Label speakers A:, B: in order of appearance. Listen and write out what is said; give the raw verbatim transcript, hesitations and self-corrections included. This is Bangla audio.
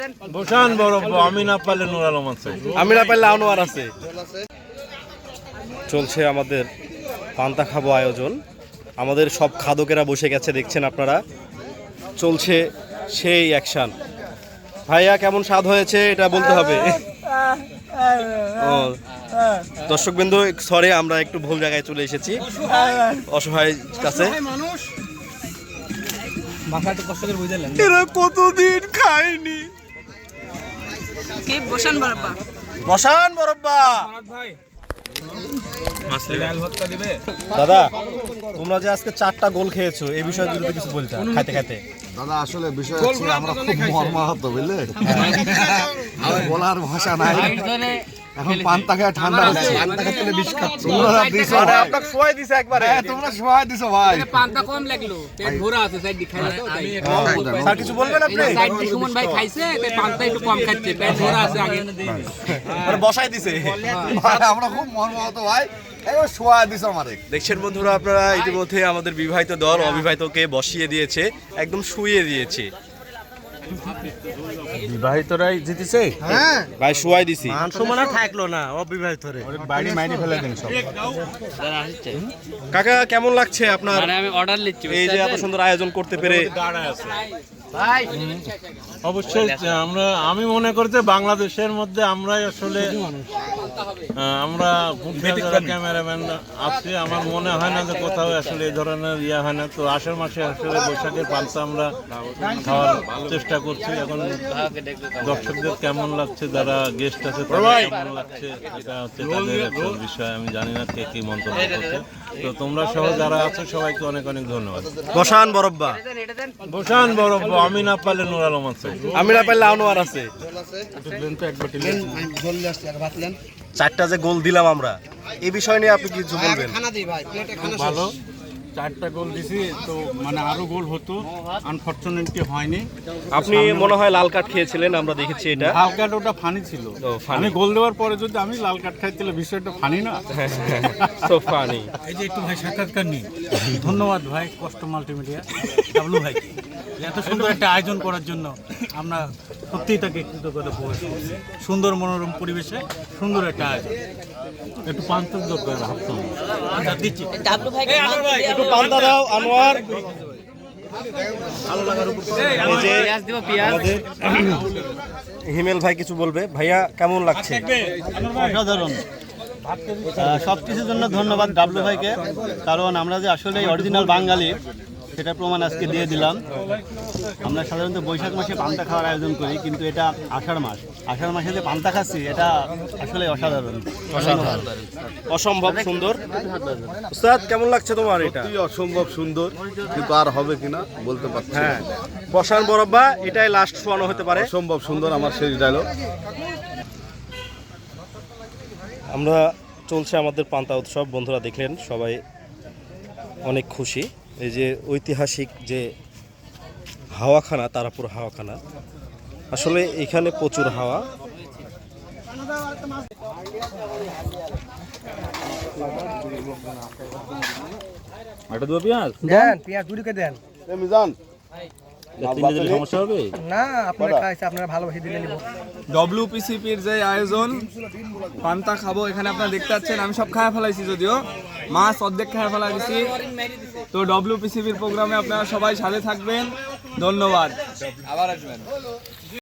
A: ভূষণ বরব্বা, আমি না পারলে নূর আলম আছে,
B: আমি না পারলে আনোয়ার আছে। চলছে আমাদের পান্তা খাবো আয়োজন। আমাদের সব খাদকেরা বসে গেছে, দেখছেন আপনারা। চলছে সেই অ্যাকশন। ভাইয়া কেমন স্বাদ হয়েছে এটা বলতে হবে। ও দর্শকবৃন্দ, সরি আমরা একটু ভুল জায়গায় চলে এসেছি, অসহায় কাছে। এরা কতদিন খায়নি।
C: বসান বরব্বা,
B: বসান বরব্বা। দাদা, তোমরা যে আজকে চারটা গোল খেয়েছো, এই বিষয়ে যদি কিছু বলতে খাইতে খাইতে।
D: দাদা আসলে বিষয় হচ্ছে আমরা খুব মর্মাহত, বুঝলে, আমার বলার ভাষা নাই। এখন পান্তা খেয়ে ঠান্ডা হচ্ছে, পান্তা খেতে বিষ খাচ্ছি। তোমরা দিছো ভাই,
B: আপনাকে শোয়াই দিছে একবারে।
D: হ্যাঁ তোমরা সবাই দিছো ভাই।
E: পান্তা কম লাগলো, পেট ভরা আছে, সাইড দি খাইলা তো তাই।
B: স্যার কিছু বলবেন আপনি?
E: সাইড দি সুমন ভাই খাইছে, তাই পান্তা একটু কম খাচ্ছে, পেট ভরা আছে আগে।
B: মানে বসাই দিছে।
D: ভাই আমরা খুব মর্মাহত ভাই, একবার শোয়া দিছো আমারে।
B: দেখছেন বন্ধুরা আপনারা, ইতিমধ্যে আমাদের বিবাহিত দল অবিবাহিতকে বসিয়ে দিয়েছে, একদম শুইয়ে দিয়েছে।
A: বিবাহিতরাই জিতেছে।
D: হ্যাঁ
B: ভাই শুয়াই দিছি।
A: সমানা থাকলো না অবিবাহিতরে, বাড়ি মাইনে ফেলে দিন সব।
B: কাকা কেমন লাগছে আপনার?
E: মানে আমি অর্ডার লিচ্ছি,
B: এই যে এত সুন্দর আয়োজন করতে পেরে।
E: ভাই
A: অবশ্যই আমরা, আমি মনে করি যে বাংলাদেশের মধ্যে আমরাই আসলে আমরা ক্যামেরাম্যান আছি, আমার মনে হয় না যে কোথাও আসলে এই ধরনের ইয়ে হয় না। তো আষাঢ় মাসে আসলে বৈশাখের পান্তা আমরা খাওয়ার চেষ্টা করছি। এখন দর্শকদের কেমন লাগছে, যারা গেস্ট আছে তাদের কেমন লাগছে, এটা হচ্ছে তাদের একটা বিষয়। আমি জানি না কে কি মন্তব্য করছে। তো তোমরা সহ যারা আছো সবাইকে অনেক অনেক ধন্যবাদ।
B: বসান বরব্বা,
A: ভূষণ বরব্বা, আমি না পারলে নূর আলম আছে,
B: আমি না পারলে আনোয়ার আছে। চারটা যে গোল দিলাম আমরা, এই বিষয় নিয়ে আপনি কিছু বলবেন?
F: ভালো, চারটা গোল দিছি, তো মানে আরো গোল হতো, আনফরচুনেটলি হয়নি।
B: আপনি মনে হয় লাল কার্ড খেয়েছিলেন, আমরা দেখেছি এটা।
F: লাল কার্ড ওটা ফানি ছিল,
B: ও, funny।
F: আমি গোল দেওয়ার পরে যদি আমি লাল কার্ড খাই তাহলে বিষয়টা ফানি না।
B: So funny.
F: এই যে একটু ভাই সাক্ষাৎকার নিই, ধন্যবাদ ভাই কষ্ট মাল্টিমিডিয়া ডাবলু ভাই, এত সুন্দর একটা আয়োজন করার জন্য আমরা সত্যিই তাকে কৃতজ্ঞতা প্রকাশ করছি। সুন্দর মনোরম পরিবেশে সুন্দর একটা আয়োজন। একটু পান্তক দরকার ভাবতাম, আচ্ছা দিচ্ছি।
B: একটু পান্তা দাও আনোয়ার। এই যে আমাদের হিমেল ভাই কিছু বলবে। ভাইয়া কেমন লাগছে?
G: অসাধারণ। সব কিছুর জন্য ধন্যবাদ ডাবলু ভাইকে, কারণ আমরা যে আসলে অরিজিনাল বাঙালি সেটা প্রমাণ আজকে দিয়ে দিলাম। আমরা সাধারণত বৈশাখ মাসে পান্তা খাওয়ার আয়োজন করি, কিন্তু এটা আষাঢ় মাস, আষাঢ় মাসে যে পান্তা খাচ্ছি এটা আসলে অসাধারণ,
B: অসম্ভব সুন্দর। উস্তাদ কেমন লাগছে তোমার? এটা
D: অসম্ভব সুন্দর, কিন্তু আর হবে কিনা বলতে পারছি না।
B: হ্যাঁ, বসান বরব্বা, এটাই লাস্ট শোয়ানো হতে পারে।
D: অসম্ভব সুন্দর আমার শেষ ডায়লগ।
B: আমরা চলছে আমাদের পান্তা উৎসব, বন্ধুরা দেখলেন সবাই অনেক খুশি। এই যে ঐতিহাসিক যে হাওয়াখানা, তারাপুর হাওয়াখানা, আসলে এখানে প্রচুর হাওয়া।
H: দেন পেঁয়াজ দুটোকে দেন।
D: মিজান
A: সমস্যা হবে
H: না, আপনারা খাইছে, আপনারা ভালোবাসি দিলে নিব।
I: ডব্লিউপিসিপির যে আয়োজন পান্তা খাবো, এখানে আপনারা দেখতে পাচ্ছেন আমি সব খাওয়া ফেলাইছি, যদিও মাছ অর্ধেক খাওয়া ফেলা দিছি। তো ডব্লিউপিসিপির প্রোগ্রামে আপনারা সবাই সাথে থাকবেন, ধন্যবাদ, আবার আসবেন।